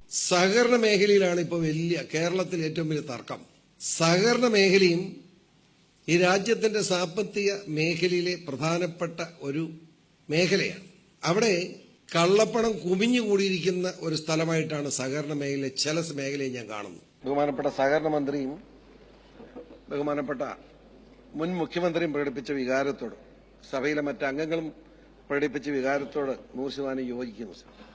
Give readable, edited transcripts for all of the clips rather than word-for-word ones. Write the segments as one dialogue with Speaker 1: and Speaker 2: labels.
Speaker 1: സഹകരണ മേഖലയിലാണ് ഇപ്പോൾ കേരളത്തിൽ ഏറ്റവും വലിയ തർക്കം. സഹകരണ മേഖലയും ഈ രാജ്യത്തിന്റെ സാമ്പത്തിക മേഖലയിലെ പ്രധാനപ്പെട്ട ഒരു മേഖലയാണ്. അവിടെ കള്ളപ്പണം കുമിഞ്ഞുകൂടിയിരിക്കുന്ന ഒരു സ്ഥലമായിട്ടാണ് സഹകരണ മേഖലയിലെ ചില മേഖലയെ ഞാൻ കാണുന്നു. ബഹുമാനപ്പെട്ട സഹകരണ മന്ത്രിയും ബഹുമാനപ്പെട്ട മുൻ മുഖ്യമന്ത്രിയും പ്രകടിപ്പിച്ച വികാരത്തോട്, സഭയിലെ മറ്റംഗങ്ങളും പ്രകടിപ്പിച്ച വികാരത്തോട് 100% യോജിക്കുന്നു.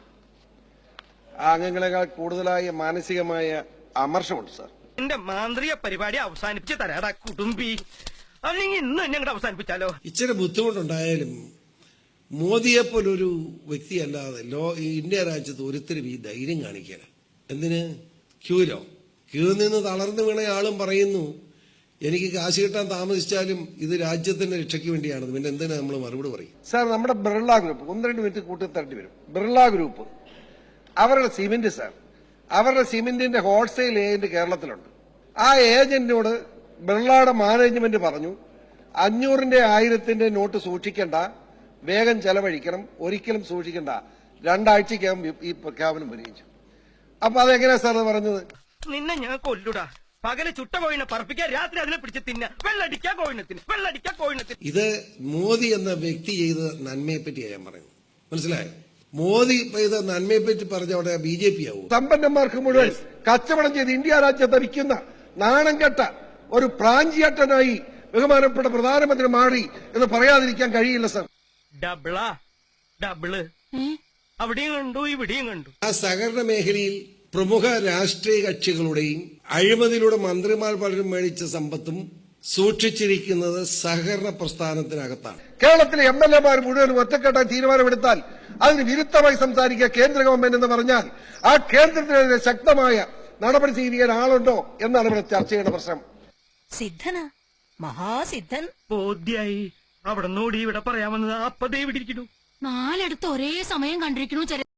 Speaker 1: ആ അംഗങ്ങളെക്കാൾ കൂടുതലായ മാനസികമായ അമർഷമുണ്ട് സാർ.
Speaker 2: എന്റെ മാന്ത്രിക പരിപാടി അവസാനിപ്പിച്ച് തരാടാ കുടുംബി, അല്ലെങ്കിൽ ഇന്ന് ഞങ്ങളുടെ അവസാനിപ്പിച്ചാലോ?
Speaker 1: ഇച്ചിരി ബുദ്ധിമുട്ടുണ്ടായാലും മോദിയെപ്പോലൊരു വ്യക്തിയല്ലാതെ ഇന്ത്യ രാജ്യത്ത് ഒരുത്തരും ഈ ധൈര്യം കാണിക്കാൻ. എന്തിന്? ക്യൂ നിന്ന് തളർന്നു വീണ ആളും പറയുന്നു എനിക്ക് കാശ് കിട്ടാൻ താമസിച്ചാലും ഇത് രാജ്യത്തിന്റെ രക്ഷയ്ക്ക് വേണ്ടിയാണ്. പിന്നെ എന്തിനാ നമ്മൾ മറുപടി പറയും? സാർ, നമ്മുടെ ബിർള ഗ്രൂപ്പ് 1-2 മിനിറ്റ് കൂട്ടി തരേണ്ടി വരും. ബിർള ഗ്രൂപ്പ് അവരുടെ സിമെന്റ് സാർ, അവരുടെ സിമെന്റിന്റെ ഹോൾസെയിൽ ഏജന്റ് കേരളത്തിലുണ്ട്. ആ ഏജന്റിനോട് ബിർളയുടെ മാനേജ്മെന്റ് പറഞ്ഞു 500ന്റെ 1000ന്റെ നോട്ട് സൂക്ഷിക്കണ്ട, വേഗം ചെലവഴിക്കണം, ഒരിക്കലും സൂക്ഷിക്കണ്ട, 2 ആഴ്ചക്കകം ഈ പ്രഖ്യാപനം വരികയും. അപ്പൊ അതെങ്ങനെയാ സാർ പറഞ്ഞത്?
Speaker 2: നിന്നെ ഞാൻ കൊല്ലുടാ. പകല് ചുട്ട കോഴിനെ പറപ്പിക്കാൻ, രാത്രി അതിനെ പിടിച്ച് തിന്ന, വെള്ളടിക്കാൻ കോഴിനത്തിന്.
Speaker 1: ഇത് മോദി എന്ന വ്യക്തി ചെയ്ത നന്മയെ പറ്റിയാണ് ഞാൻ പറയുന്നത്. മനസ്സിലായോ? മോദി ചെയ്ത നന്മയെ പറ്റി പറഞ്ഞവിടെ BJP ആവും. സമ്പന്നന്മാർക്ക് മുഴുവൻ കച്ചവടം ചെയ്ത് ഇന്ത്യ രാജ്യത്ത് വിൽക്കുന്ന നാണം കെട്ട ഒരു പ്രാഞ്ചിയട്ടനായി ബഹുമാനപ്പെട്ട പ്രധാനമന്ത്രി മാറി എന്ന് പറയാതിരിക്കാൻ കഴിയില്ല സാർ.
Speaker 2: ഡബിള് അവിടെയും കണ്ടു, ഇവിടെയും കണ്ടു.
Speaker 1: ആ സഹകരണ മേഖലയിൽ പ്രമുഖ രാഷ്ട്രീയ കക്ഷികളുടെയും അഴിമതിയിലൂടെ മന്ത്രിമാർ പലരും മേടിച്ച സമ്പത്തും സൂക്ഷിച്ചിരിക്കുന്നത് സഹകരണ പ്രസ്ഥാനത്തിനകത്താണ്. കേരളത്തിലെ MLA-മാർ മുഴുവൻ ഒറ്റക്കെട്ടാൻ തീരുമാനമെടുത്താൽ അതിന് വിരുദ്ധമായി സംസാരിക്കുക കേന്ദ്ര ഗവൺമെന്റ് എന്ന് പറഞ്ഞാൽ ആ കേന്ദ്രത്തിനെതിരെ ശക്തമായ നടപടി സ്വീകരിക്കാൻ ആളുണ്ടോ എന്നാണ് ഇവിടെ ചർച്ച ചെയ്യുന്ന പ്രശ്നം.
Speaker 3: സിദ്ധനാ, മഹാസിദ്ധൻ.
Speaker 2: ബോധ്യായി. അവിടെ നോടി ഇവിടെ പറയാമെന്നത് അപ്പതേ ഇവിടെ ഇരിക്കുന്നു.
Speaker 3: 4 ഒരേ സമയം കണ്ടിരിക്കണു.